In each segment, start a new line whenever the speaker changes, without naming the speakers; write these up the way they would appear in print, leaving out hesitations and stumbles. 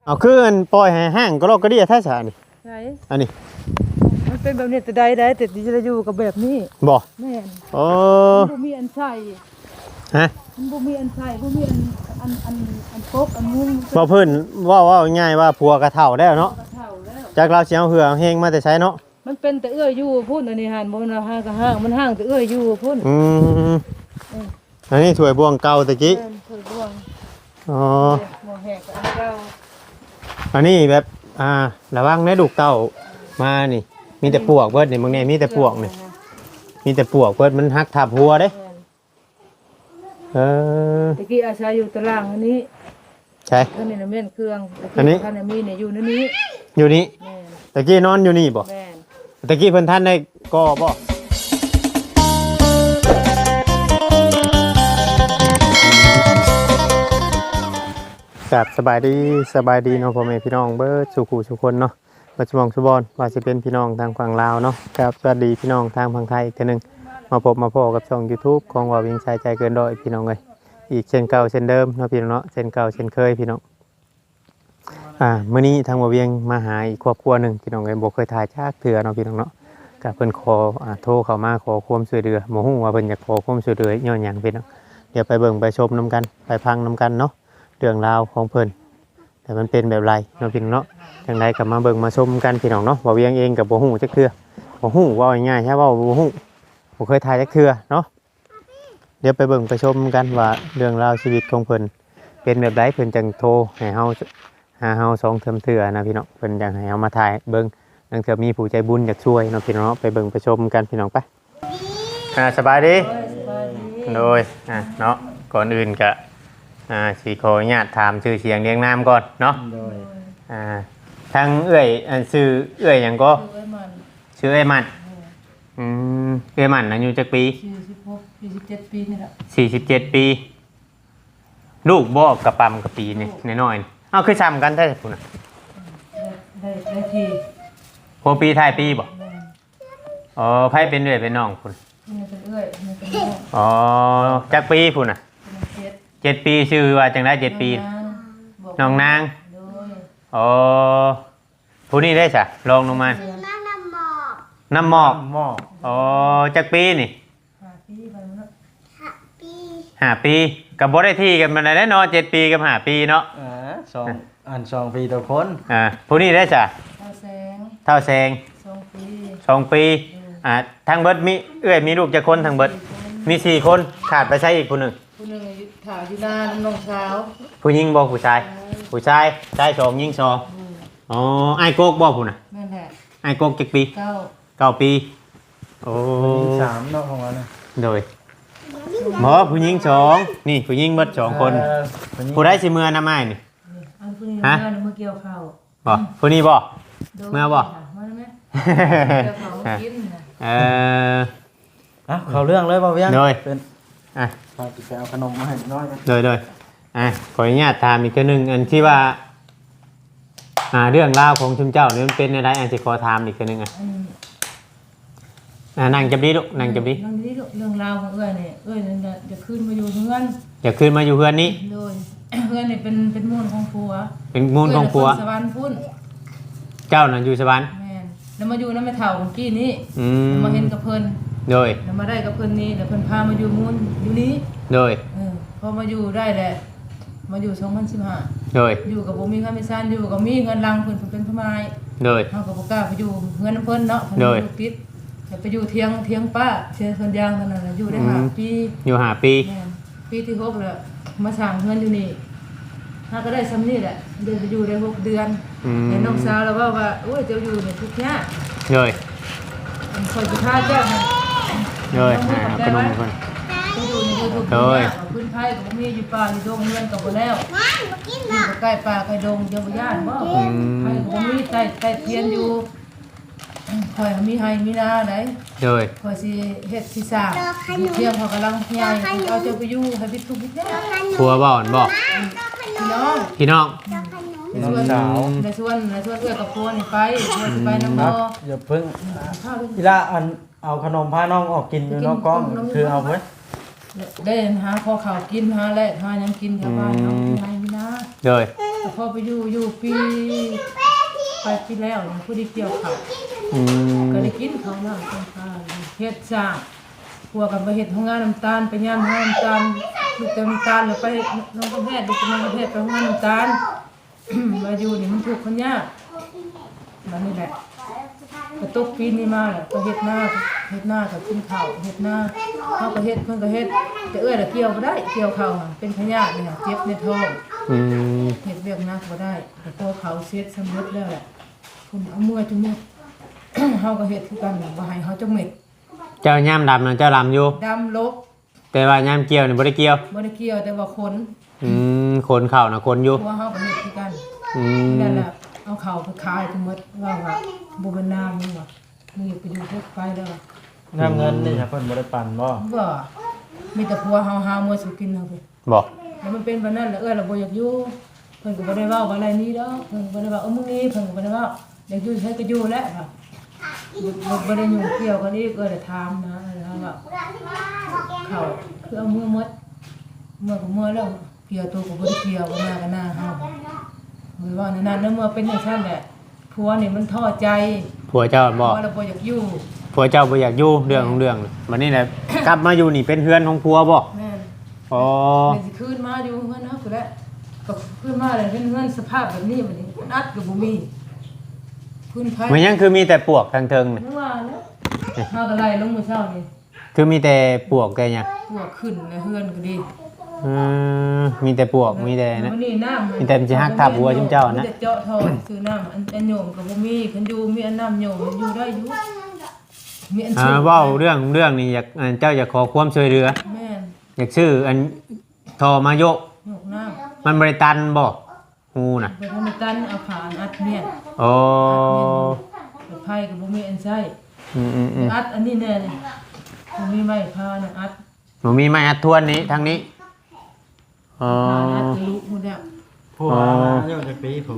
เอาคืออันปล่อยให้ห้างก็ลอกก็ดีแท้ซะนี่
ใช่
อันนี้
มันเป็นแบบนี้แต่ใดแต่ที่จะอยู่กับแบบนี้
บ่
แม่น
โอ้
มันบ่มีอันใส่
ฮะ
มันบ่มีอันใส่บ่มีอันปกอันมุ้ง
บ่เพิ่นว่าง่ายว่าผัวกระเฒ่าแล้วเนาะ
เฒ่าแล้ว
จากเราสิเอาเหือเฮงมาแต่ใช้เนาะ
มันเป็นแต่อยู่พุ่นอันนี้หั่นบ่มันห้างก็ห้างมันห้างแต่อยู่พุ่น
อันนี้ถ้วยบวงเก่าตะกี้
ถ้วยบวง
อ๋อ
บ่แหกอันเก่า
อันนี้แบบระวังนะลูกเต้ามานี่มีแต่ปวกเบิดนี่มึงนี่มีแต่ปวกนี่มีแต่ปวกเบิดมันหักทับหัวเด้
ตะกี้อาศัยอยู่ตารางอันนี้
ใช่
อันนี้น่ะแม่นเครื่อง
อันนี้
ท่านมีเนี่ยอยู่ในนี้
อยู่นี่ตะกี้นอนอยู่นี่บ่ตะกี้เพิ่นท่านได้ก่อบ่ครับสบายดีเนาะพ่อแม่พี่น้องเบิดสุขุสุคนเนาะปัจจุบันสุบอนว่าจะเป็นพี่น้องทางฝั่งลาวเนาะครับสวัสดีพี่น้องทางฝั่งไทยอีกทีนึงมาพบมาพอกับช่อง YouTube ของว่าวิ่งชายใจเกินร้อยพี่น้องเอ้ยอีกเช่นเก่าเช่นเดิมเนาะพี่น้องเนาะเช่นเก่าเช่นเคยพี่น้องมื้อนี้ทางว่าเวียงมาหาอีกครอบครัวนึงพี่น้องเอ้ยบ่เคยถ่ายจากเถื่อเนาะพี่น้องเนาะก็เพิ่นขอโทรเข้ามาขอความช่วยเหลือบ่ฮู้ว่าเพิ่นอยากขอความช่วยเหลือย้อนหยังพี่น้องเดี๋ยวไปเบิ่งไปชมนํกันไปฟังนํกันเนาะเรื่องราวของเพิ่นแต่มันเป็นแบบไรเนาะพี่น้องเนาะจังไดก็มาเบิ่งมาชมกันพี่น้องเนาะว่าเวียงเองก็บ่ฮู้จักเทื่อบ่ฮู้ว่าง่ายๆใช่ว่าบ่ฮู้บ่เคยถ่ายจักเทื่อเนาะเดี๋ยวไปเบิ่งไปชมกันว่าเรื่องราวชีวิตของเพิ่นเป็นแบบไรเพิ่นจังโทรให้เฮาหาเฮา2เทื่อนะพี่น้องเพิ่นอยากให้เฮามาถ่ายเบิ่งนั่นคือมีผู้ใจบุญอยากช่วยเนาะพี่น้องเนาะไปเบิ่งไปชมกันพี่น้องไปสบายดีโดยเนาะก่อนอื่นก็สิขออนุญาตถามชื่อเสียงเรียงนามก่อนเนาะทั้งเอื้อยชื่อเอื้อยหยังก็ชื่อเอื้อยมันเอื้อยมันอายุจักปี
47ปีนี่แหละ
47ปีลูกบ่กระปำกระปีนี่น้อยๆคือซ้ำกันแท้พุ่นน่ะ
ได้ที
หัวปีท้ายปีบ่อ๋อไผเป็นเอื้อยเป็นน้องพุ่น
นี่เป็นเอื้อยนี่เป็นน้อง
อ๋อจักปีพุ่นน่ะ7ปีชื่อว่าจังได๋7ปีน้องนางอ๋อผู้นี้ได้จ้ะลองลงมาน้ำหมอกอ๋อจักปีนี่5 ปีกับบ่ได้ที่กันมาได้เนาะ7 ปีกับ5 ปีเนาะ
2 ปีต่อคน
ผู้นี้ได้จ้ะเท่าแสง2 ปีทางเบิดมีเอื้อยมีลูกจักคนทางเบิดมี4 คนขาดไปใช้อีกผู้นึง
ถ่ายอยู่หน้าน้องสาว
ผู้หญิงบ่ผู้ชายชาย2หญิง2อ๋อไอ้โกกบ่ผู้น่ะ
นั่นแหละ
ไอ้โกกจักปี9 ปีโอ้
3เนาะของเราเนี่ย
โดยหมอผู้หญิง2นี่ผู้หญิงเบิด2 คนผู้ใดสิเมื่อนำอ้ายนี่
ฮะเมื่อเกี่ยวข้าว
บ่ผู้นี้บ่เมื่อบ่
เขาเรื่องเลยบ่เวียง
เป็น
พาไปเอาขนมมาให้น้อย
โดยขออนุญาตถามอีกทีนึงอันที่ว่าเรื่องราวของชุมเจ้านี่มันเป็นอะไรอันที่ขอถามอีกทีนึงนั่งจับดีลูกนั่งจับดี
เรื่องราวของเอื้อยเนี่ยจะขึ้นมาอยู่เฮือน
อยากขึ้นมาอยู่เฮือนนี้
โดยเฮือนเนี่ยเป็นมูลของผัว
เป็นมูลของผัว
สวรรค์พุ่น
เจ้านั่นอยู่สวรรค์
แม่นแล้วมาอยู่น้ำแม่เฒ่าของกี้นี้มาเห็นกับเพิ่น
โดย
แล้วมาได้กับเพิ่นนี้แล้วเพิ่นพามาอยู่มูลอยู่นี้
โดย
พอมาอยู่ได้แหละมาอยู่2015
โดย
อยู่กับบ่มีค่ามีซ่านอยู่กับมีเงินรังเพิ่นเป็นพม่า
โดย
เฮาก็บ่กล้าไปอยู่เงินเพิ่นเนาะเพิ่นอยู่ติดไปอยู่เถียงป้าเชียร์สวนยางนั่นน่ะอยู่ได้5 ปี
อยู่5 ปี
ปีที่6แล้วมาสร้างเงินอยู่นี่ถ้าก็ได้ซ้ำนี่แหละเดือนไปอยู่ได้6 เดือนเห็นน้องสาวแล้วว่าโอ้ยเจ้าอยู่เนี่ยทุกข์ยาก
เลย
คอยสิพาเจ้า
เลยขนมเพิ่น
อยู่ในทุกข์ยากพื้นไผก็บ่มีอยู่ป่าอยู่ดงเงินก็บ่แล้วอยู่ใกล้ป่าใกล้ดงเจ้าบ่ย่านบ่ไผก็บ่มีใต้เทียนอยู่คอยมีให้มีนาได้คอยสิเฮ็ดสิสร้างเที่ยงเขากำลังใหญ่เอาเจ้าไปอยู่ให้วิทย์ทุกวิทย์
ผัวบ่อนบ่พี่น้อง
ในส่วนเอื้อกับผัวนี่ไปน้ำบ่
อย่าเพิ่งอีล่าเอาขนมพาน้องออกกินอยู่นอกกล้องคือเอาเพิ่น
ได้หาพอข้าวกินหาแลกหาหยังกินแถวบ้านเนาะให้มีนา
เลย
ไปแต่พอไปอยู่ปีไปปีแล้วเนี่ยผู้ที่เกี่ยวเขา
อืม
ก็ได้กินเขาน้ำต้นข้าวเฮ็ดสร้างพวกกันไปเฮ็ดโรงงานน้ำตาลไปย่างโรงงานน้ำตาลลูกเต็มน้ำตาลแล้วไปน้องกระแพทย์ลูกน้องกระแพทย์ไปโรงงานน้ำตาล มาอยู่นี่มันถูกข์คนยากมันนี่แหละกระตุกปีนี้มาแหละก็เฮ็ดหน้ากับกินข้าวเฮ็ดหน้าเขาก็เฮ็ดเพิ่นก็เฮ็ดแต่ละเกี่ยวบ่ได้เกี่ยวข้าวอะเป็นพยาธิเนี่ยเจ็บในท้อง
อืม
เฮ็ดเวียกหนักบ่ได้แต่พอเขาเสร็จสำเร็จแล้วแหละคุณเอามือจุ่ม เฮาก็เฮ็ดคือกันน่ะบ่ให้เฮาจักเม็ด
เจ้าย่ามดำนะเจ้าดำอยู่
ดำลก
แต่ว่าย่ามเกี่ยวนี่บ่ได้เกี่ยว
บ่ได้เกี่ยวแต่ว่าขน
คนเข่านะคนอยู่
หัวเฮาก็เฮ็ดคือกัน
อืม
นั่นแหละเอาเข้าไปขายทั้งหมดว่าบ่เป็นน้ำนี่ว่ามึงอย่าไปอยู่พวกไปเด้อ
น้ำเงินนี่ครับเพิ่นบ่ได้ปั่นบ่
บ่มีแต่ผัวเฮาหามื้อสิกินเฮาไป
บอก
แล้วมันเป็นแบบนั้นแล้วเราบ่อยากอยู่เพิ่นก็บ่ได้เว้าว่าอะไรนี้ดอกเพิ่นก็บ่ได้ว่ามึงนี่เพิ่นก็บ่ได้ว่าอยากอยู่ใช้ก็อยู่แล้วค่ะบ่ได้ยุ่งเกี่ยวกันอีกได้ถามนะว่าเขาคือเอามือมดเมื่อก็เมื่อแล้วเกี่ยวตัวก็บ่ได้เกี่ยวมากันหน้าเฮาบ่ว่าในนั้นแล้วเมื่อเป็นจังซั่นแหละผัวนี่มันท้อใจ
ผัวเจ้าบอก
เราบ่อยากอยู่
ผัวเจ้าบ่อยากอยู่เรื่องของเรื่องวันนี้แหละ กลับมาอยู่นี่เป็นเพื่อนของผัวบ่
แม่น
อ๋อ
นี่สิคืนมาอยู่เฮือนเฮาก็แล้วก็คืนมาแล้วเป็นเฮือนสภาพแบบนี้บัดนี้อัดก็บ่มีพื้นไผ
มันยังคือมีแต่ปวกทางเทิงนี่
ไม่ว่าแล้วเฮาก็ไล่ลงมื้อเช้านี่
คือมีแต่ปวกแต่หยัง
พวกขึ้นในเฮือนก็ดี
มีแต่ปวกมีแต่นะ
วันนี้น้ำ
มีแต่มันสิฮักทับหัวจุ่มเจ้านะ
มีแต่เจาะท่อซื้อน้ำอันโยมก็บ่มีคันอยู่มีอันน้ำโยมอยู่ได้อยู่มีอันชื่อ
เว้าเรื่องนี้อยากเจ้าอยากขอความช่วยเหลือ
แม่น
อยากซื้ออันทอมาโยก
ยกน้
มันบริตันบ่ฮูน่ะ
ำไปทำให้ตันเอาผ่านอัดเนี่ย
โอ้
ไปไผก็บ่มีอันใช้
อืม
อัดอันนี้แน่นี่บ่มีไม้พาน่ะอัด
หนูมีไม้อัดทวนนี้ทางนี้อ๋อ
พาอัดทะลุหมดแล้ว
ผัวอายุจักปีผัว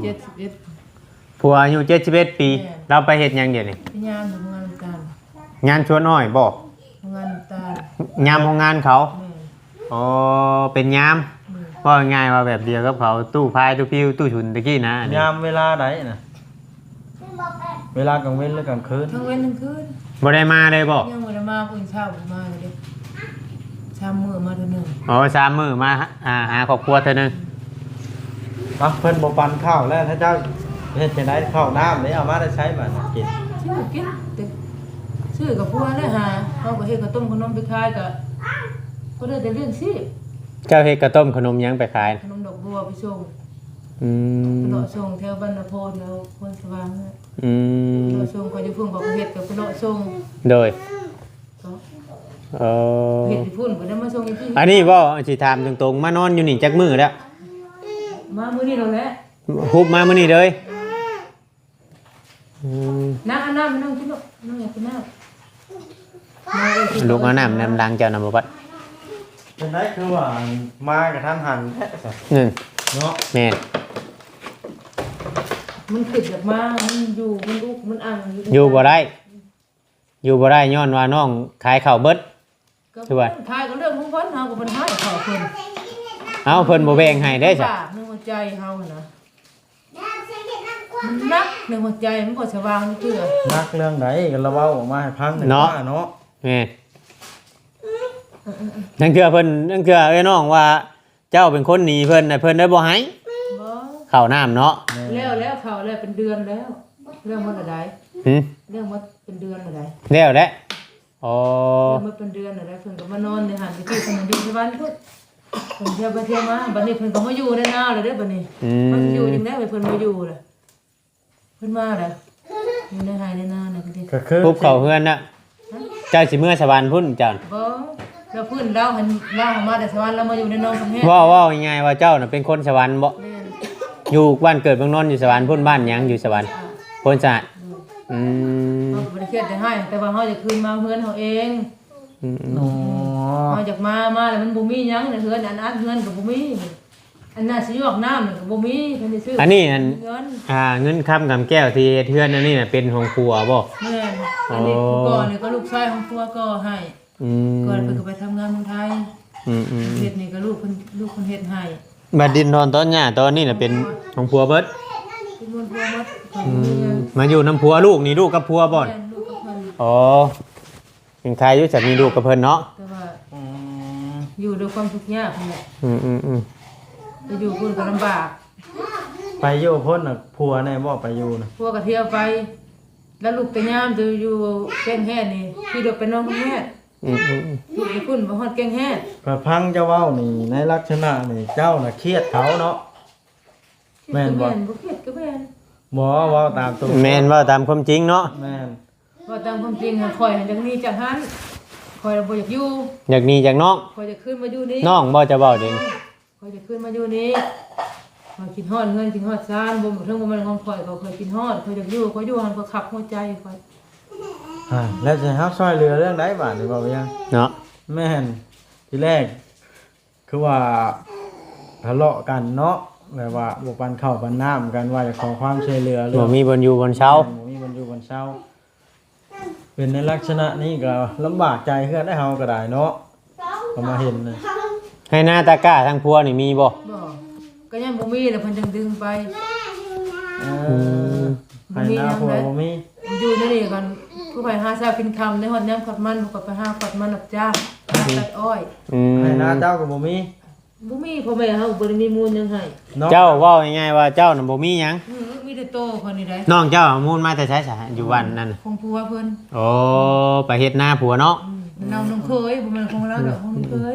71
ผัวอายุ71 ปี
แม่
เราไปเฮ็ดหยังเดี๋ยวนี้
พยายามทำงานน้ำตาล
งานชวนอ้อยบ่
ทำงานน้ำตาล
ยามของงานเขา
แม่น
อ๋อเป็นยาม
แม่น
ว่าง่ายว่าแบบเดียวกับเขาตู้พายตู้พิวตู้ฉุนตะกี้นะอันนี้
ยามเวลาใดน่ะเวลากลางเว้นหรือกลางคืน
ทั้งเว้นทั้งคืน
บ่ได้มาเลยบ่
ยังบ่ได้มาเพิ่นเช้าบ่มาเลยเด้เช้ามื้อมาเทื่อนึง
อ๋อ3 มื้อมาหาครอบครัวเท่านึง
อ่ะเพิ่นบ่ปั่นข้าวแล้วถ้าเจ้าเฮ็ดจังได๋ข้าวน้ำนี่เอามาได้ใช้บัดกิน
ชื่อกินแต่ชื่อกับพัวได้หาเฮาก็เฮ็ดข้าวต้มขนมไปขายก็ได้แต่เรื่องสิ
เจ้าเฮ็ดกระต้มขนมหยังไปขาย
ขนมดอกบัวไปส่ง
อืม
ไปเลาะส่งแถวบ้านนาโพแถวพนสว่างเนี่ย
อืม
เลาะส่งก็อยู่พุ่นก็เฮ็ดกับไปเลาะส่ง
โดย
ก็
เออ
เฮ็ดอยู่พุ่นบ่ได้มาส่งอีกที
อันนี้บ่สิถามตรงๆมานอนอยู่นี่จักมื้อแล้ว
มามื้อนี้แล้วแหละ
ฮุบมามื้อนี้เลยอืม
น้ำน้ำกินลูกน้ำอยากกินน้ำ
ลูกเอาน้ำดังเจ้านำบ่บัด
จังได๋คือว่ามากับทันหันแท้ซะ
หนึ่ง
เนาะ
แม่น
มันขึ้นจากมามันอยู่มันลูกมันอ่าง
อยู่บ่ได้อยู่บ่ได้ย้อนว่าน้องขายข้าวเบิด คือว่า
ทายก็เรื่องของเพิ่นเฮาก็บ่ให้ขอเพิ่น
เอ้าเพิ่นบ่แบ่งให้ได้จ้ะ
นึกว่าใจเฮานะมันนักในหัวใจมันก็สว่างเชื่อ
นักเรื่องใดก็ระเว้าออกมาให้ฟังหน่อยว่าเนาะ
แม่นนั่นคือเพิ่นนั่นคือไอ้น้องว่า เจ้าเป็นคนหนีเพิ่นน่ะเพิ่นได้บ่ให้
บ่
ข้าวน้ำเนาะ
แล้วเขาแล้วเป็นเดือนแล้วเรื่องมันอะไร
หึ
เรื่องมันเป็นเดือนอะไร
แล้วแหละอ๋อ
เรื่องมันเป็นเดือนอะไรเพิ่นก็มานอนในหันไปที่เพิ่นอยู่ที่บ้านพุ่นเพิ่นเที่ยวไปเที่ยวมาบัดนี้เพิ่นก็มาอยู่ในนาเลยเด้อบัดนี้ มันอยู่จังได๋เพิ่นมาอยู่ล่ะเพิ่นมาล่ะอยู่ในไร่ในนาน่ะก็ดิ
ก็คือ
ปุ๊บเข้าเฮือนน่ะเจ้าสิเมื่อสวรรค์พุ่นเจ้า
บ่แล้วเพิ่นเล่าให้เล่ามาแต่สวรรค์แล้วมาอยู่ในนองกำแพง
ว่าง่ายๆว่าเจ้าน่ะเป็นคนสวรรค์บ่
แม่น
อยู่บ้านเกิดเมืองนอนอยู่สวรรค์พุ่นบ้านหยังอยู่สวรรค์โพนสะอาดอืม
เฮาก็บ่ได้เครียดจะให้แต่ว่าเฮาจะคืนมาเฮือนเฮาเอง
อ๋อ
เฮาจากมาแล้วมันบ่มีหยังในเฮือนอันเฮือนก็บ่มีอันน่ะสิยอกน้ำนี่ก็บ่มีเพิ่นได้ซื้อ
อั
อั
นนี้อัน
เงิน
เงินคำกำแก้วที่เฮ็ดเฮือนอันนี้น่ะเป็นของครัวบ่
แม่นอันนี้ผู้ก่อนี่ก็ลูกชายของผัวก็ให้
อืม
ก่อนเพิ่นก็ไปทำงานเมืองไทย
อืม
เฮ็ดนี่ก็ลูกเพิ่นเฮ็ดให้
บัดดินนอนตอนหญ้าตอนนี้น่ะเป็นของผัวเบิด
เป็นมนต์พัวมัด
มาอยู่น้ำผัวลูกนี่ลูกกับผัวบ่อน
แม่ลูกกับเพิ่น
อ๋อยังใครอยู่จักมีลูกกับเพิ่นเนาะ
แต่ว่า
อืม
อยู่ด้วยความทุกข์ยากนั่นแหละ
อืม
ไปอยู่พุ่นก็ลำบาก
ไปอยู่พ้นน่ะผัวแน่บ่ไปอยู่น่ะ
พวกก็เที่ยวไป แล้วลูกแต่ยามจะอยู่แก้งแห่นี่พี่เด็กเป็นน้องแม่
อืม
ลูกไปพุ่นบ่ฮอดแก้งแห่
ก็พังเจ้าเว้านี่ในลักษณะนี่เจ้าน่ะเครียดเขาเนาะ แม่นบ่
บ่เครียดก็แม่น
บ่เว้าตามตรง
แม่นว่าตามความจริงเนาะ
แม่น
ว่าตามความจริงอะข่อยจังนี้จังหันข่อยบ่อยากอยู่
อยากหนีจากน้อง
ข่อยจะขึ้นมาอยู่นี่
น้องบ่จะเว้าเด้ง
ข่อยจะขึ้นมาอยู่นี่ข่อยกินฮอดเงินกินฮอดซานบ่ถึงบ่แม่นของข่อยก็ข่อยกินฮอดข่อยอยากอยู่ข่อยอยู่หันข่อยขับหัวใจข่อย
แล้วจะเฮาช่วยเหลือเรื่องใดบาดนี่บ่ไปยัง
เนาะ
แม่นทีแรก คือว่าทะเลาะกันเนาะแบบว่าบ่ปันข้าวปันน้ำกันว่าจะขอความช่วยเหลือเรื่
บ่
อง
มีบนอยู่บนเช้า
บ่มีวันอยู่วันเช้า เป็นในลักษณะนี้ก็ลำบากใจเฮือนได้เฮาก็ได้เนาะก็มาเห็นนะ
ให้หน้าตาก้าทางผัวนี่มีบ่
บ่ก็ยังบ่มีแล้วเพิ่นจังดึงไป
ให้หน้าผัวบ่มี
อยู่ในนี่กันผู้ไปหาเช้ากินค่ำในฮอดยามขัดมันผู้ก็ไปหาขัดมันรับจ้างหาตัดอ้อย
ให้หน้าเจ้าก็บ่มี
บ่มีพ่อแม่เฮาบ่ได้มีมูลหยังให้
เนาะ
เจ้าเว้าง่ายๆว่าเจ้าน่ะบ่มีหยัง
มีแต่โตคนนี้ได้
น้องเจ้าเอามูลมาแต่ใช้สาอยู่วันนั่นน่ะ
ของผัวเพิ่น
โอ้ไปเฮ็ดหน้าผัวเนาะ
มันเอาน้องเคยบ่แม่นของเราดอกของน้องเคย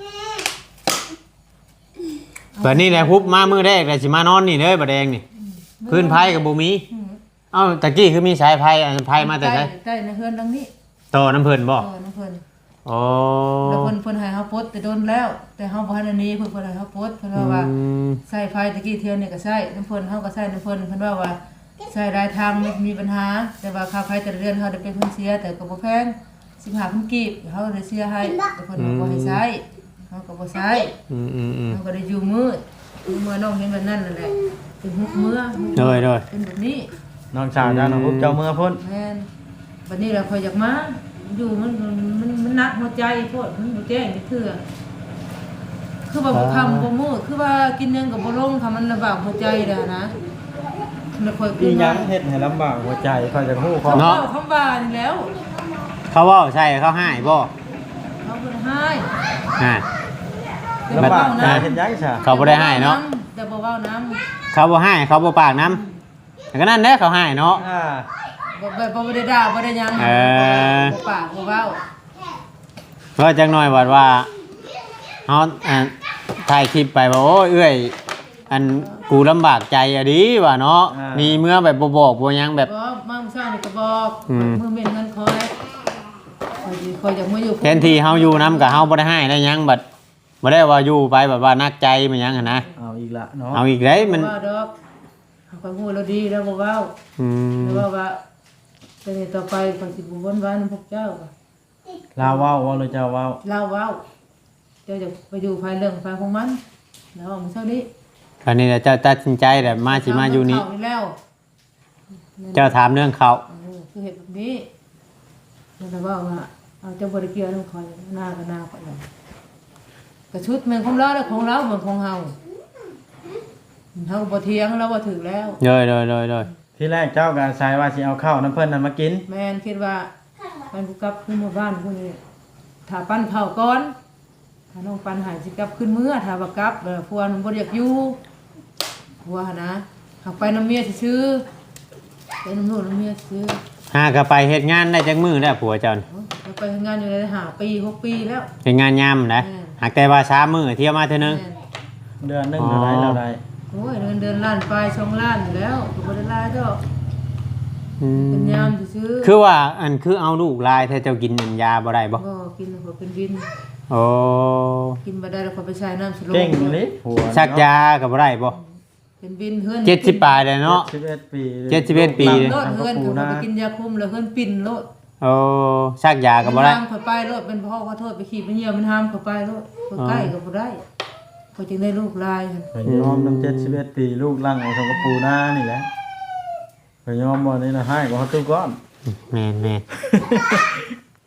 บัดนี้แหละพุบมามื้อแรกแล้วสิมานอนนี่เด้อบ่แดงนี่พื้นไผก็บ่มี เอ้าตะกี้คือมีสายไผอันไผมาแต่ไส
ใต้ในเฮือนดังนี้
ต่อน้ำเพิ่นบ่
น้องเพิ่น
อ๋อ
แล้วเพิ่นให้เฮาปลดแต่โดนแล้ว แต่เฮาบ่ทันอันนี้เพิ่นให้เฮาปลดเพิ่นว่า ใส่ไฟตะกี้เที่ยวนี่ก็ใส่น้ำเพิ่นเฮาก็ใส่น้ำเพิ่นเพิ่นว่าใส่หลายทางไม่มีปัญหา แต่ว่าค่าไฟแต่ละเดือนเฮาได้เป็นเพิ่นเสียแต่ก็บ่แพง15,000กีบเฮาได้เสียให้แต่เพิ่นบ่ให้ใช้เฮาก็บ่ใช้เฮาก็ได้อยู่มืดมื้อน้องเห็นแบบนั้นนั่นแหละถึง6มื้อ
โดย
เป็นแบบนี้
น้องสาวเจ้าน้องพุกเจ้าเมื่อพ้น
แม่นบัดนี้เราค่อยอยากมาอยู่มันหนักหัวใจโพดมันบ่แจ้งจักเทื่อคือว่าบ่คำบ่มื้อคือว่ากินหยังก็บ่ลงค่ะมันลำบากหัวใจเด้อนะแล้วค่อย
อีหยังเฮ็ดให้ลำบากหัวใจค่อยจะฮู้ขอ
เนาะคำว่านี่แล้ว
เขาเว้าใช่เขาให้บ่
เขาบ่ได้ให้
อ่า
ลำบากใจเฮ็ดหยังซะ
เขาบ่ได้ให้เนาะ
แต่บ่เว้าน้ำ
เขาบ่ให้เขาบ่ปากน้ำแต่ก็นั่นแหละเขาให้เนาะ
บ่ได้ด่าบ่ได้หยัง
เออ
บ่ปากบ่เว้า
ก็จักหน่อยว่าเฮาถ่ายคลิปไปว่าโอ้ยเอ้ยอันกูลำบากใจอะดิว่าเนาะมีเมื่อแบบบ่บอกบ่หยังแบบ
บ่มาเมื่อเช้านี่ก็บอก
อืม
มื้อเม็นเงินคอยคอยอยากมาอยู่
แทนที่เฮาอยู่นำกับเฮาบ่ได้ให้ได้หยังบัดบ่ได้ว่าอยู่ไปแบบว่านักใจมันหยังหั่นนะ
เอาอีกละเนาะ
เอาอีกได้มัน
ว่าดอกเขาก็ฮู้แล้วดีแล้วบ่เว้า
อืม
แล้วว่าแต่นี่ต่อไปข้อยสิบ่วนวานพวกเจ้าว่ะ
ลาวเว้าว่าหรือเจ้าเว้า
เล่าเว้าเจ้าจะไปอยู่ภายเรื่องภายของมันแล้วว่ามื้อเช้านี้
คราวนี้แหละเจ้าตัดสินใจแบบมาสิมาอยู่นี่
เข้แล้ว
เจ้าถามเรื่องเขา
คือเฮ็ดแบบนี้แล้วว่าเอาเจ้าบ่ได้เกี่ยวนํข่อยหน้าก็หน้าข่อยแล้วกระชุดแม่นของเราแล้วของเราเหมือนของเฮาเฮาบ่เถียงเราบ่ถึกแล้ว
โดย
ที่แรกเจ้าก็อาศัยว่าสิเอาข้าวน้ำเพิ่นนั้นมากิน
แม่นคิดว่ามันกูกลับขึ้นมาบ้านพุ่นนี่ถ้าปั้นข้าวก่อนถ้าน้องปั้นหายสิกลับขึ้นมื้อถ้าบ่กลับผัวมันบ่อยากอยู่ผัวหั่นนะหากไปน้ำเมียซื่อๆไปน้ำโน่นน้ำเมียซื่อ
หาก็ไปเฮ็ดงานได้จักมื้อแล้วผัวเจ้าน่ะ
แล้วไปทำงานอยู่ได้5 ปี 6 ปีแล้ว
เฮ็ดงานยามนะหากแต่ว่าช้ามื้อเที่ยวมาเทื่อนึง
แม่น
เดือนหนึงเท่าไหร่เราได้
โอ้ยเดือนล้านปลาย2ล้านอยู่แล้วก็บ่ได้หลายดอก
อื
เป็น
ม
ยามซื่อๆ
คือว่าอันคือเอาลูกลายถ้าเจ้ากินอันยาบ่ได้บ่
บ่กินแล้วก็เป็นวิน
โอ้
กินบ่ได้แล้วก็ไปใช้น้ำสโล
เก่งอีหลีผัว
ชักยาก็บ่ได้บ่
เป็นวินเฮือน
70ปลายเลยเนาะ
71ปี
71ปี
โลดเฮือนเขาไปกินยาคุมแล้วเฮือนปิ่นโลด
โอ้ชักยาก็บ่ได้
ห้ามเขาไปโลดเป็นพ่อขอโทษไปขี่ไปเหี่ยวมันห้ามเขาไปโลดเขาใกล้ก็บ่ได้เขาจึงได้ลูกลายหั่น
ไปยอมน้ำ71ปีลูกลังเอาทงกระปูหน้านี่แหละไปยอมบ่นี่นะให้ก็เฮาตู้ก้อน
แม่น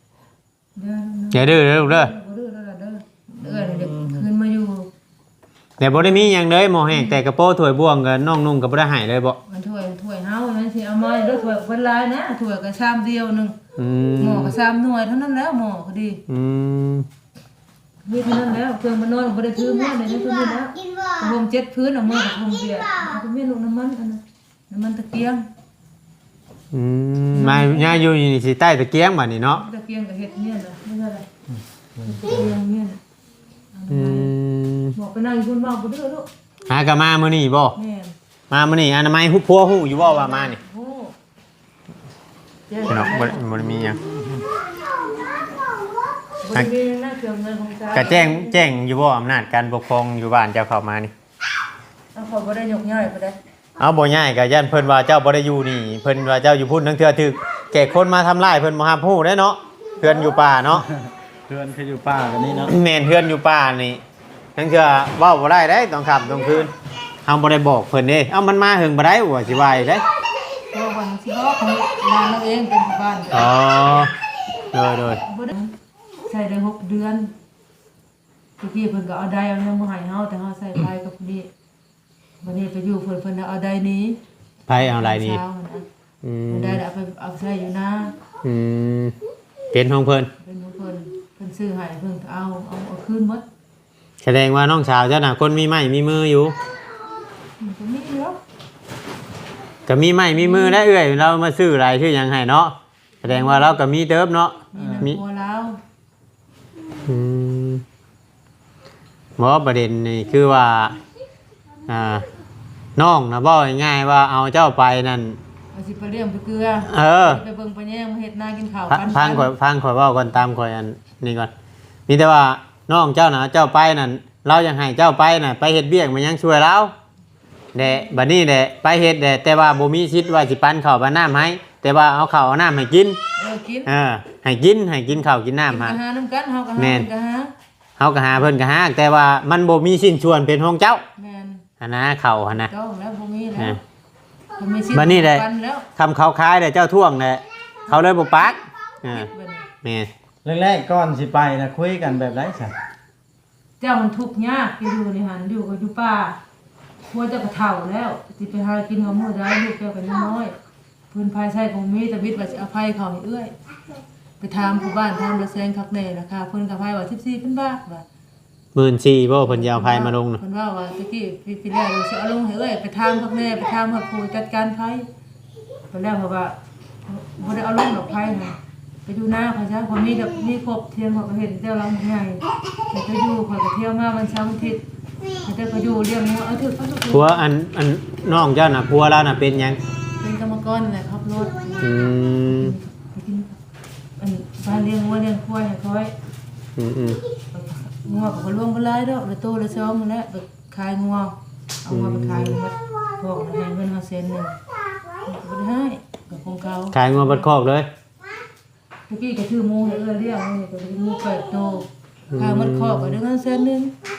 เด้อ
ๆอย่าดื้อเด้อลูกเด้อ
บ่ดื้อแล้วล่ะเด้อเด้อเด็กคืนมาอยู่
แต่บ่ได้มีหยังเลยหม้อแห้งแต่กระโปรงถ้วยบ่วงก็น้องนุ่งก็บ่ได้ให้เลยบ่
มันถ้วยเฮามันสิเอามาเด้อถ้วยเพิ่นหลายนะถ้วยก็ชามเดียวนึง
อืม
หม้อก็3หน่วยเท่านั้นแล้วหม้อก็ดี
อืม
มีเท่านั้นแล้วเครื่องมันนอนบ่ได้ถือมื้อเลยนี่ตัวนี้แล้วผม7พื้นเอามือกับผมเบียดเอาไปเมียลูกน้ำมันอันนั้นน้ำมันตะเกียง
อืมมาย่าอยู่นี่สิใต้ตะเกียงบัดนี้เนาะ
ตะเกียงก็เฮ็ดเนี่ยน่ะไม่ใช่อะไรตะเกียงเนี่ยน่ะ
อืม
บอกไปนั่งอยู่บนบ้านบ่เด้อลูก
หาก็มามื้อนี้บ่
แม่น
มามื้อนี้อนามัยฮู้พัวฮู้อยู่บ่ว่ามานี่
โอ้
พี่น้องบ่ได้มีหยัง
บ่มีหน้าเครื่องเงินของจ้า
ก็แจ้งอยู่บ่อำนาจการปกครองอยู่บ้านเจ้าเข้ามานี่
เอาเขาบ่ได้ยกย่อยบ่ได้
เอาบ่ย้ายก็ย่านเพิ่นว่าเจ้าบ่ได้อยู่นี่เพิ่นว่าเจ้าอยู่พุ่นทั้งเทื่อถึกแก่คนมาทำร้ายเพิ่นบ่ฮับฮู้เด้เนาะเพื่อนอยู่ป่าเนาะ
เพื่อนคืออยู่ป่ากันนี่เนาะ
แม่นเพื่อนอยู่ป่านี่ทั้งเทื่อเว้าบ่ได้เด้ต้องขับต้องคืนเฮาบ่ได้บอกเพิ่นเด้เอ้ามันมาหึงบ่ได้ว่าสิว่าอีกเด้
เพราะวันสิบอกของบ้านเราเองเป็นบ้าน
อ๋อโดย
บ่ได้ใส่ได้6เดือนเมื่อกี้เพิ่นก็เอาใดเอายังบ่ให้เฮาแต่เฮาใส่ไฟกับนี่วันนี้ไปอยู่เพิ่นเอาใดนี้
ไผเอาหลายนี่
เช้านะ
อืม
ได้เอาไปเอาใส่อยู่นะ
อืมเป็นของเพิ่น
เป็นของเพิ่นซื้อให้เพิ่นก็เอาคืนหมด
แสดงว่าน้องสาวเจ้าน่ะคนมีไม้มีมืออยู่
มันก็มีแล้ว
ก็มีไม้มีมือได้เอื้อยเรามาซื้ออะไรชื่อหยังให้เนาะแสดงว่าเราก็มีเติบเนาะ
มีนะพัวแล้ว
อืมบ่ประเด็นนี่คือว่าน้องนะบอกง่ายๆว่าเอาเจ้าไปนั่น
เอาสิไปเลี้ยงไปเกลือ ไปเบิ่งไปแย่งมาเฮ็ดนากินข้าว
ฟังข่อยเว้าก่อนตามข่อยอันนี้ก่อนมีแต่ว่าน้องเจ้าน่ะเจ้าไปนั่นเรายังให้เจ้าไปน่ะไปเฮ็ดเบี้ยกมันยังช่วยเราแดะบัดนี้แดะไปเฮ็ดแดะแต่ว่าบ่มีสิทธิ์ว่าสิปันข้าวปันน้ำให้แต่ว่าเอาข้าวเอาน้ำให้กิน
กิน
ให้กินข้าวกินน้ำ
หา
ฮะ
น้ำกันเฮาก็หา
แม่น
ก็หา
เฮาก็หาเพิ่นก็หาแต่ว่ามันบ่มีสิ้นส่วนเป็นของเจ้า
แม่น
หั่นนะข้าวหั่นนะ
ต้องแล้วบ่มีแล้
อ่า
วบ่มีสิทธิ์
บัดนี้ได้
ปันแล้ว
คำเขาคายแต่เจ้าท่วงเนี่ยเขาเลยบุปัก
เฮ็ดบัดนี้
แม่
แรกๆก่อนสิไปนะคุยกันแบบไรสัก
เจ้ามันทุกข์ยากอยู่นี่หั่นอยู่ก็อยู่ป่าพัวเจ้าก็เฒ่าแล้วสิไปหากินของมื้อใดลูกเจ้าก็ยังน้อยพื้นภายใช้ของมีแต่วิทย์ว่าสิอภัยเขาให้เอื้อยไปถามผู้บ้านถามระแซงคักแน่ราคาเพิ่นก็พายว่า14,000 บาทว่า
14,000บ่เพิ่นจะเอาไผมาลงน่ะ
เพิ่นว่าตะกี้พี่แรกเราสิเอาลงให้เอ้ยไปทางพักแน่ไปทางพักผู้จัดการไผเพิ่นแล้วเพราะว่าบ่ได้เอาลงดอกไผน่ะไปอยู่หน้าเขาซะพอมีแบบมีครบเทียนเขาก็เห็นเจ้าลังใหญ่แต่ก็อยู่เขาก็เที่ยวมาวันเสาร์อาทิตย์แต่ก็อยู่เลี้ยงงัวเอาถือเขาทุก
ผัวอันน้องเจ้าน่ะผัวเราน่ะเป็นหยัง
เป็นกรรมกรนั่นแหละครับรถ
อืม
ไปกินอันบ้านเลี้ยงงัวเลี้ยงควายให้ค่อย
อืม
งัวก็บ่รวมบ่หลายดอกละโตละ2นั่นแหละไปขายงัวเอางัวไปขายหมดพวกให้เงินเฮาเซ็นนึงบ่ได้ให้กับของเขา
ขายงัวบัดคอกเลย
เมื่อกี้ก็ถือหมูให้เลี้ยงนี่ก็ถือหมู8โตขายหมดคอกก็ได้เงินแสนนึง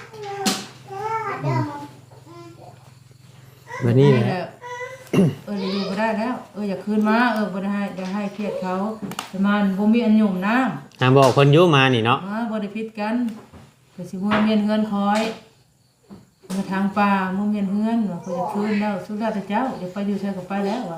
บัดนี้
นี่
แห
แห
ละ
ละอยู่บ่ได้แล้วอยากคืนมาบ่ได้ให้เครียดเขาประมาณบ่มีอันหยุ่มน้ำ
หาบอกเพิ่นอยู่มานี่เนาะ
บ่ได้ผิดกันก็สิหัวเมียนเฮือนคอยมาทางป่าหมู่เมียนเฮือนว่าเขาจะคืนแล้วสุดแล้วแต่เจ้าเดี๋ยวไปอยู่ใส่ก็ไปแล้วว่ะ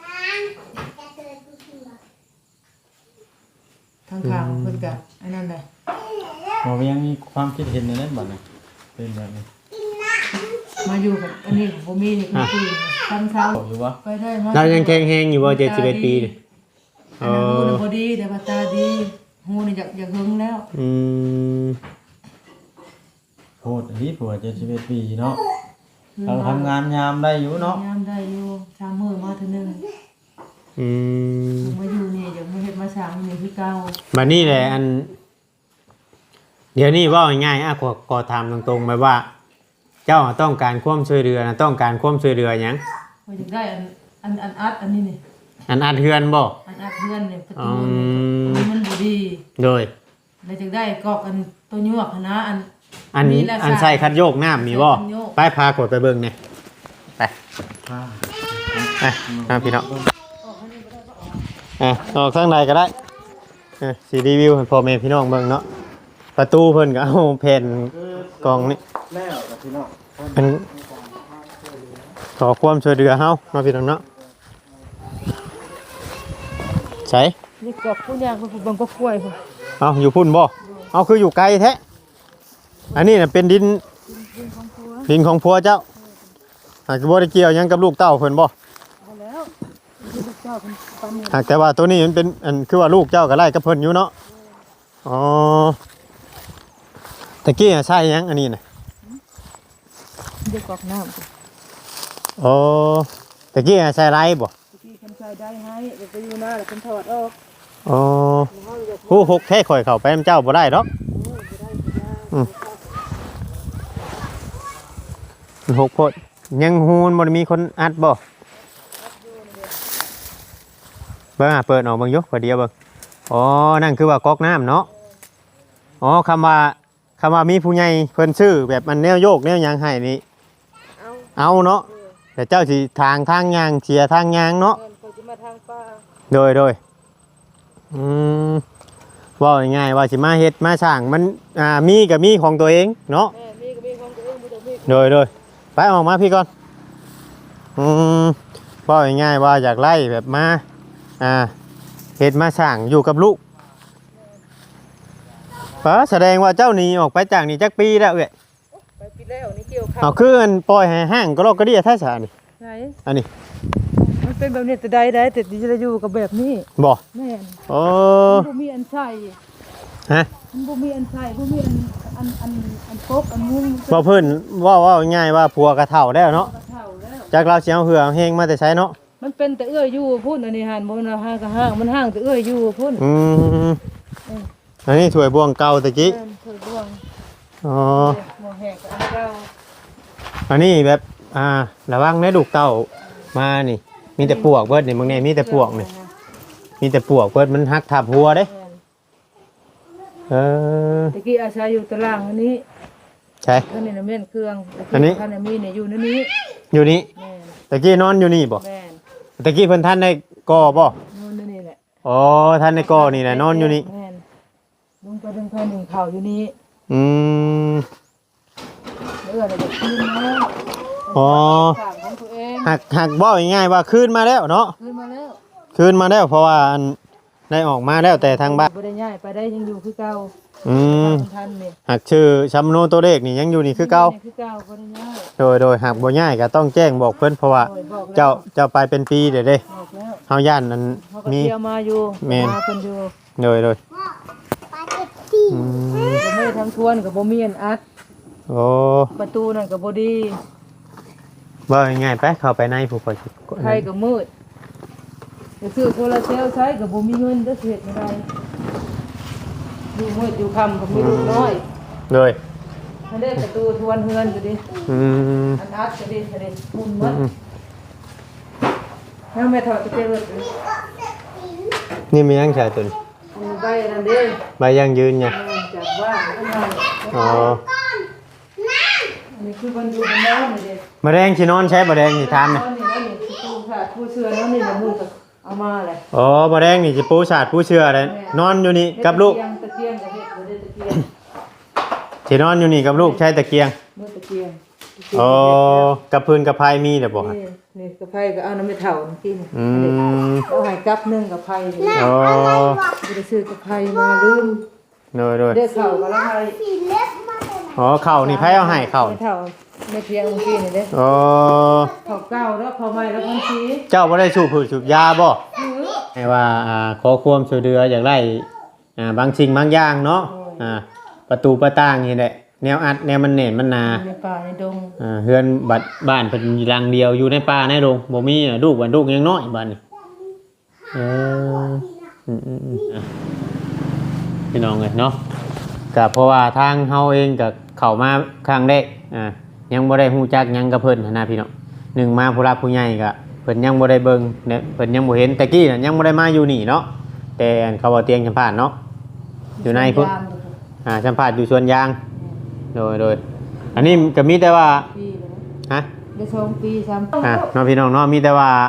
ทางข้างเพิ่นก็อันนั้นแหละ
ผมยังมีความคิดเห็นในนั้นบ่นะเป็นแบบนี้
มาอยู่กับอันนี้ผมมีนี่คือตอนเช้า
บอกอยู่ว่า
ไปได้มา
เรายังแข็งแรงอยู่บ่71ปีนี่
อันนั้นหูนี่บ่ดีแต่ว่าตาดีหูนี่อยากหึงแล้ว
อืม
โหดอันนี้ผัว71 ปีเนาะเราทำงานยามได้อยู่เนาะ
ยามได้อยู่3มื้อมาเทื่อนึง
อืม
มาอยู่นี่เดี๋ยวมาเฮ็ดมาสร้างนี่คือเก่า
บัดนี้แหละอันเดี๋ยวนี้เว้าง่ายๆขอถามตรงๆไปว่า เจ้าต้องการความช่วยเหลือนะต้องการความช่วยเหลือหยัง
ว่าอยากได้อันอัดอันนี้นี่
อัดเฮือนบ่
อันอัดเพื่อนนี่ประตูนี่มันบ่ดี
โดย
แล้วอยากได้กอกอันตัวยวกหั้นนะอัน
อัน
นี่แหละ
อันใส่คัดโยกน้ำมีบ่
ใส่คัดโยก
ไปพากดไปเบิ่งเนี่ยไปไปพี่น้องออกข้างในก็ได้สีรีวิวให้พ่อแม่พี่น้องเบิ่งเนาะประตูเพิ่นก็เอาแผ่นกองนี่
แล้วกับพี่น้อง
เป็นขอความช่วยเหลือเฮาเนาะพี่น้องเนาะใช่
นี่กับผู้ย่างเพิ่นบังก็กล้วยพุ่น
เอาอยู่พุ่นบ่เอาคืออยู่ไกลแท้อันนี้น่ะเป็นดินของผัวเจ้าหากบ่ได้เกี่ยวหยังกับลูกเต้าเพิ่นบ่
บ่แล้วที่ลูกเจ้าเพิ่นปานนี้
หากแต่ว่าตัวนี้มันเป็นอันคือว่าลูกเจ้าก็ไล่กับเพิ่นอยู่เนาะอ๋อตะกี้ใช่หยังอันนี้น่ะ
เดี๋ยวกอกน้ำ
อ๋อตะกี้ใส่ไรบ่
ที่เพิ่นใช้ได้ให้เดี๋ยวไปอยู่หน้าแล้วเพิ่นถอดออก
อ๋อผู้หกแค่ข่อยเข้าไปนำเจ้าบ่ได้ดอกมันหกโพดยังฮูนบ่ได้มีคนอัดบ่เบิ่งเปิดออกเบิ่งอยู่พอเดียวเบิ่งอ๋อนั่นคือว่าก๊อกน้ำเนาะอ๋อคำว่ามีผู้ใหญ่เพิ่นซื้อแบบมันแนวโยกแนวหยังให้นี่เอาเนาะแต่เจ้าสิทางยางเสียทางยางเนาะ
เพิ่นสิมาทางป่า
โดยอืมว่าง่ายๆว่าสิมาเฮ็ดมาสร้างมันมีก็มีของตัวเองเนาะ
แม่มีก็มีของตัวเองบ่ต้องมี
โดยไปออกมาพี่ก่อนอืมว่าง่ายๆว่าอยากไล่แบบมาเฮ็ดมาสร้างอยู่กับลูกแสดงว่าเจ้าหนีออกไปจากนี่จักปีแล้วเอ้ย
ไปปีแล้วนี่เกี่ยวข้า
เอา
ว
คือมันปล่อยให้ห้างก็ลอกก็เดียท่าสานี่
ไหน
อันนี้
มันเป็นแบบนี้แต่ใดแต่ดิจะอยู่กับแบบนี้
บ่
แม่น
โอ้
มันบ่มีอันใส่
ฮะ
มันบ่มีอันใส่บ่มีอันปกอันมุ้ง
บ่เพิ่นว่าง่ายว่าผัวกระเฒ่าแล้วเนาะ
กระเท่าแล้ว
จากเราสิเอาเหือเอาเฮงมาแต่ใช้เนาะ
มันเป็นแต่เอื้อยอยู่พุ่นอันนี้หันบ่นะห้างก็ห้างมันห้างแต่เอื้อยอยู่พุ่น
อืมอันนี้ถ้วยบวงเก่าตะกี้
แม่นเคยบ่วง
อ๋อ
หมอแหกอันเก่า
อันนี้แบบระวังในลูกเต้ามานี่ มีแต่ปวกเบิดนี่มึงเนี่ยมีแต่ปวกนี่มีแต่ปวกเบิดมันหักทับหัวเด้
แม่น
เออ
ตะกี้อาศัยอยู่ตารางอันนี้
ใช่
ท่านนี่น่ะแม่นเครื่อง
อันนี้
ท่านน่ะมีเนี่ยอยู่ในนี้
อยู่นี่
แม่น
ตะกี้นอนอยู่นี่บ่
แม่น
ตะกี้เพิ่นท่านได้ก่อบ่
นอนในนี่แหละ
อ๋อท่านได้ก่อนี่แหละนอนอยู่นี่
แม่นลุงไปดึงแผ่นหนึ่งข่าวอยู่นี่
อืม
เอื้ออะไรแบบคืนมา
อ๋อ
ฝากของตัวเอง
หักบ่ง่ายๆว่าคืนมาแล้วเนาะ
คืนมาแล้ว
คืนมาแล้วเพราะว่าอันได้ออกมาแล้วแต่ทางบ้าน
บ่ได้ย้ายไปได้ยังอยู่คือเก่า
อืม
ทันนี่
หักชื่อชัมโนตัวเลขนี่ยังอยู่นี่คือเก่า
คือเก่าบ่ได้ย้าย
โดยหากบ่ง่ายก็ต้องแจ้งบอกเพิ่นเพราะว่า
โอ้ยบอกแล้ว
เจ้าไปเป็นปีเด้เด้
บอกแล้ว
เฮาย่านนั้น
เขาก็
มี
เที่ยวมาอยู่
แม่น
มาเพิ่นอยู่
โดยอืม
บ่ไม่ได้ทำทวนกับบ่มีอันอัด
โอ้
ประตูนั่นก็บ่ดี
บ่ง่ายๆไปเข้าไปในผู้คน
ไฟก็มืดจะซื้อโซลาร์เซลล์ใช้ก็บ่มีเงินจะเฮ็ดไม่ได้อยู่มืดอยู่ค่ำก็มีลูกน้อย
โดย
อันนี้ประตูทวนเฮือนก็ดิ
อืม
อันอัดก็ดิมุนหมดแล้วแม่ถอดตะเกียบเลย
นี่มียังใช้ตัวนี้
ใบนั่นเด้
ใบยังยืนเนี่ย
จากบ้านข้างใน
อ๋อ
อันนี้คือคนอยู่บนน้ำนี่เด้
มะแดงสินอนใช้มะแดงนี่ทานน่ะ
นี่นั่นนี่ตู้ค่ะตู้เสื้อนั่นนี่ละมือก็เอามาเลย
อ๋อมะแดงนี่สิปูสาดปูเชื่อเลยนอนอยู่นี่กับลูก
ตะเกียงกับเฮ็ดบ่ได้ตะเกียง
สินอนอยู่นี่กับลูกใช้ตะเกียง
มือตะเกียง
อ๋อกับพื้นกับพายมีเด้อบ่ฮะ
นี่กระไพก็เอาน้ำไม่เท่ากิน
อืม
เอาให้กับนึงกระไพนี่
อ๋อ
บ่ได้ซื้อกระไพมาลืม
โดย
ได้เข้าก็ละไพ
อ๋อเข้านี่ไผเอาให้เข้า
ไม่เท่าไม่เพียงเมื่อกี้นี่เด้
อ๋อ
เข้าเก้าแล้วเข้าใหม่แล้วพันที
เจ้าบ่ได้สูบผืนสูบยาบ่ให้ว่าขอความช่วยเหลืออยากได้บางสิ่งบางอย่างเนาะประตูประต่างนี่แหละแนวอัดแนวมันเน่นมันหนา
ในป่าในดง
เฮือนบัดบ้านเพิ่นอยู่หลังเดียวอยู่ในป่าในโรงบ่มีลูกวันลูกยังน้อยบัดนี้เออพี่น้องเอ้ยเนาะก็เพราะว่าทางเฮาเองก็เข้ามาครั้งแรกยังบ่ได้ฮู้จักหยังกับเพิ่นหั้นนะพี่น้องหนึ่งมาผู้รักผู้ใหญ่ก็เพิ่นยังบ่ได้เบิ่งเนี่ยเพิ่นยังบ่เห็นแต่กี้น่ะยังบ่ได้มาอยู่นี่เนาะแต่อันเขาว่าเตียงสัมภาษณ์เนาะอยู่ในพุ่นสัมภาษณ์อยู่สวนยางโดยอันนี้ก็มีแต่ว่า
ปีเลย
ฮะ
ได้2ปี3
น้องพี่น้องเนาะมีแต่ว่า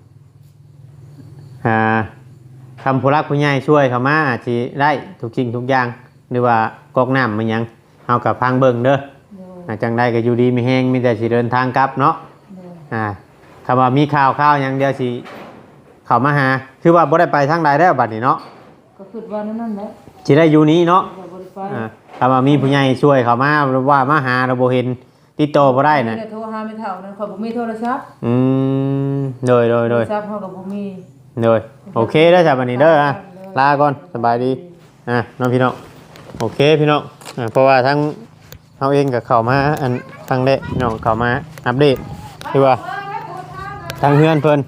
คำผู้รักผู้ใหญ่ช่วยเขามาอาจสิได้ทุกสิ่งทุกอย่างหรือว่ากอกน้ำมันหยังเฮากับพังเบิ่งเด้อจังได้ก็อยู่ดีมีแฮงมีแต่สิเดินทางกลับเนาะคำว่ามีข่าวอย่างเดียวสิเข้ามาหาคือว่าบ่ได้ไปทางใดแล้วบัดนี้เนาะ
ก็คิดว่านั่นแหละ
สิได้อยู่นี้เนาะ
บ่ได้ไป
คำว่ามีผู้ใหญ่ช่วยเข้ามาว่ามาหาเราบ่เห็นติดต่อบ่ได้น่ะ
โทรหาไม่เท่านั้นข่อยบ่มีโทรศัพท์
โดย
โทรศัพท์เฮาก็บ่มี
โดยโอเคเด้อจ้ะบัดนี้เด้อลาก่อนสบายดีน้องพี่น้องโอเคพี่น้องเพราะว่าทั้งเฮาเองก็เข้ามาอันทางเด้พี่น้องเข้ามาอัปเดตคือว่าทางเฮือนเพิ่น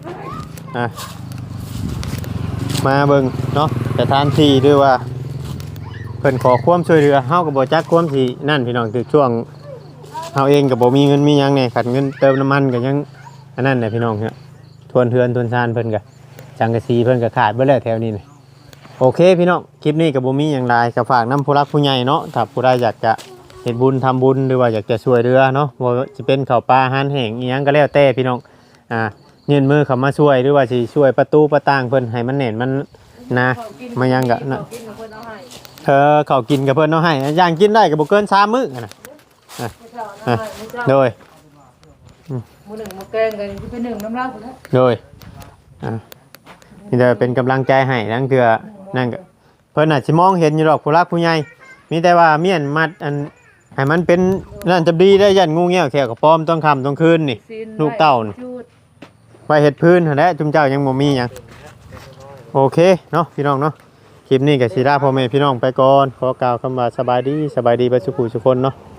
มาเบิ่งเนาะสถานที่ด้วยว่าเพิ่นขอความช่วยเหลือเฮาก็บ่จักความสินั่นพี่น้องคือช่วงเฮาเองก็บ่มีเงินมีหยังแหน่ขัดเงินเติมน้ำมันก็ยังอันนั้นแหละพี่น้องเนี่ยทวนเทือนทวนซานเพิ่นก็จังกะสีเพิ่นก็ขาดเบิดแล้วแถวนี้นี่โอเคพี่น้องคลิปนี้ก็บ่มีหยังหลายก็ฝากนำผู้รักผู้ใหญ่เนาะถ้าผู้ใดอยากจะเฮ็ดบุญทำบุญหรือว่าอยากจะช่วยเหลือเนาะบ่ว่าสิเป็นข้าวปลาอาหารแห้งอีหยังก็แล้วแต่พี่น้องยื่นมือเข้ามาช่วยหรือว่าสิช่วยประตูประต่างเพิ่นให้มันแน่นมันนะมายังก็นะเขากินกับเพิ่นเอาให้ย่างกินได้ก็บ่เกิน3มื้อน่ะโดย
มื้อหนึ่งมื้อแกงกันเป็นหนึ่งน้ำลายพุ่นแหละ
โดยนี่จะเป็นกำลังใจให้นั่นคือนั่นก็เพิ่นอาจสิมองเห็นอยู่ดอกผู้รักผู้ใหญ่มีแต่ว่าเมียนมัดอันให้มันเป็นนั่นจะดีได้ยันงูเงี้ยวแขวกับป้อมต้องค่ำต้องคืนนี่ลูกเต้านี่ไว้เฮ็ดพื้นหั่นแหละจุมเจ้ายังบ่มีหยังโอเคเนาะพี่น้องเนาะคลิปนี้ก็สิลาพ่อแม่พี่น้องไปก่อนขอกล่าวคำว่าสบายดีเบิดสุขทุกคนเนาะ